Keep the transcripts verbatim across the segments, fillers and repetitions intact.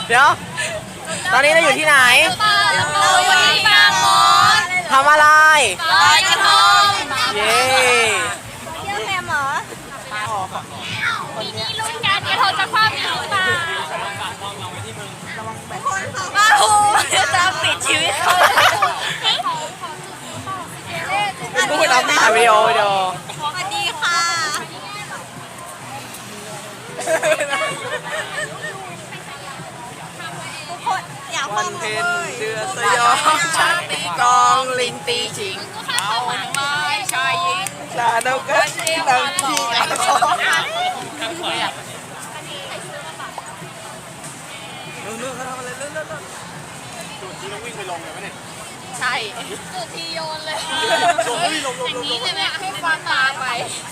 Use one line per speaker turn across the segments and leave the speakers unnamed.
เดี๋ยวตอนนี้เราอยู่ที่ไหน
เราอยู่ที่บางมด
ทำอะไร
ลอยกระทง
เย้
เที่ยวแฮมเหรอปีนี้ลุ้นกันกระทงจะคว่ำหรือเปล่าบ้าหูจะปิดชีวิตเขา
พูดเอาวิดีโอวิดีโอ
สวัสดีค่ะทุกคนอยากฟังเพลง
เดือดสยองชาตีกองลิงตีชิง
เอาไม้ชายหญิง
ลาดกันตังที่กันขอนู่นๆเขาทำอะไรเลื่อนๆจุดที่ต้องวิ่งไปลงเลยไหมเนี่ย
ใช่จุดที่โยนเลยอย่างนี้เลยไหมให้ฟันตาไป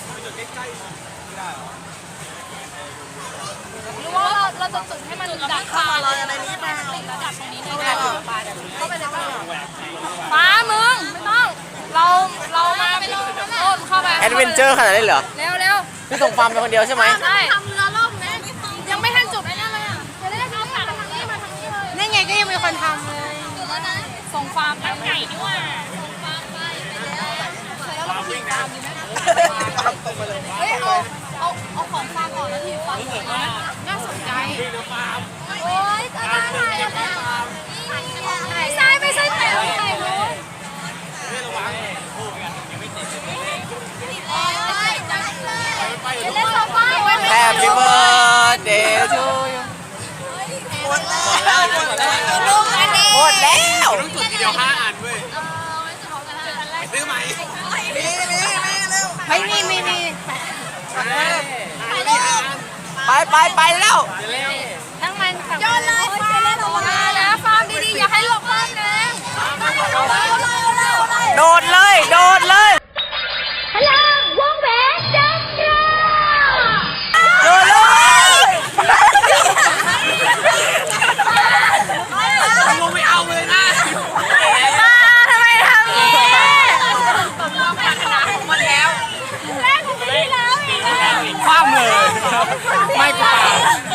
หรือว่าเราเราจะจุดให้มันดักปลาเราอะไรนี้เปล่าระดับตรงนี้เลยได้ปลาเข้าไปในบ้านปลามึงไม่ต้องเราเรามาไปลงโน่นเข้าไป
แอดเวนเจอร์ขนาดนี้เหรอ
เร็วเร็ว
พี่ส่งฟาร์มเป็นคนเดียวใช่ไหม
ใช่ทำเรือล่มนะยังไม่ทันจุดไอ้นั่นเลยอ่ะจะได้ทำทางนี้มาทางนี้เลยนี่ไงก็ยังมีคนทำเลยส่งฟาร์มทางไหนด้วยส่งฟาร์มไปแล้วแล้วเราขี่ตามดีไหมเฮ้ยเอาเอาเอาของฟาร์มก่อนแล้วทีฟาร์มน่าสนใจโอ๊ยก็ได้ถ่ายแล้วไม่ใช่ไม่ใช่แต่ถ่ายรู้
Happy birthday to you หมดแล้วหมดแล้วต้องจุดทีเดียวห้าอันเว้ยซื้อใหม่มีมีมีเร็วไม่มีไม่มีไปไปไปแล้ว
ทั้งมันย้อนเลยมานะฟาร์มดีๆอย่าให้หลบบ้านนะ
โดดเลยโดดเลย
พลังวงแหวนจักร
โดดเลยลงไม่เอาเลยนะ
มาทำไมทำอย่างนี้ผมลองพัฒนาของมันแล้วแรกของพี่แล้ว
คว่ำเลยไม่กล้า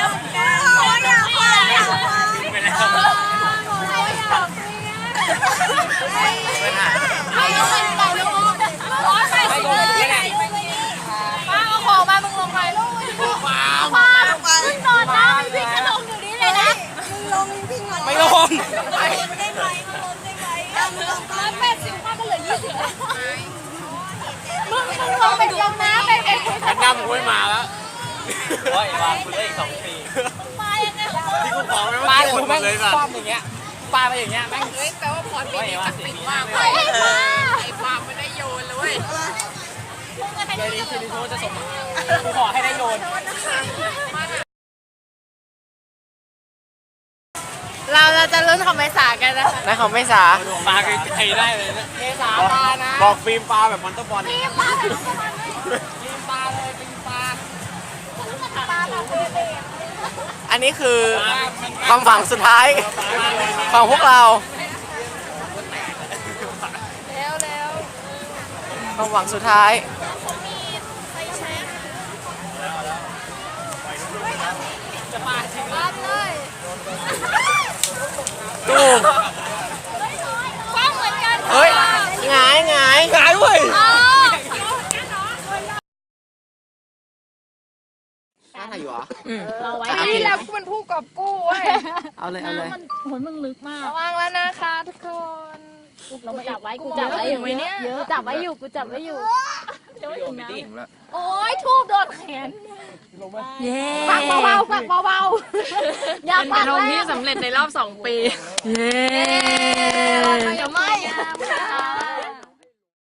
ไม่ลงได้ไหมมึงลงได้ไหมมึงลงได้ไหมแปดสิบป้าก็เหลือยี่สิบมึงมึงลงไปลงน้ำไปเองฉันน้ำกูไม่มาแล้วว่าอีกวันคุณได้อีกสองปีมายังไงที่กูขอไม่ว่าปลากูแม่งคว่ำอย่างเงี้ยปลาไปอย่างเงี้ยแม่งเฮ้ยแปลว่าพรปีนี้จักติดมากเลยไอ้ปลาไม่ได้โยนเลยเดี๋ยวนี้คืนนี้โทษจะส่งกูขอให้ได้โยน
เราเราจะลุ้นของเมษากันนะคะ
นายของเมษาปลาไกลๆได้เลยนะ
เมษาปลานะ
บอกฟิล์มปลาแบบมอนเตอร์บอล
ฟิล์มปลาแบบมอนเตอร์บอลฟิล์มปลาเลยฟิล์มปลาปลาแบบเบย์
อันนี้คือความหวังสุดท้ายของพวกเรา
เร็วเร็ว
ความหวังสุดท้าย
จะมาจริงเลย
ตูม
คว้าเหมือนกัน
เฮ้ยหงายหงายหงายเว้ยน่าถ่ายอยู่เหรอ
เราไว้ที่แล้วกูเป็นผู้กอบกู้เว้ย
เอาเลยเอาเลย
มันหัวมึงลึกมากระวังแล้วนะคะทุกคนเราจับไว้กูจับไว้อยู่เนี่ยกูจับไว้อยู่กูจับไว้อยู่จะไม่ถึงนะโอ้ยทูบโดนแขนเย้ปักเบาๆปักเบาๆอย่าปักแรง
เป็นกระทงที่สำเร็จในรอบสองปี
เย้
จะไม่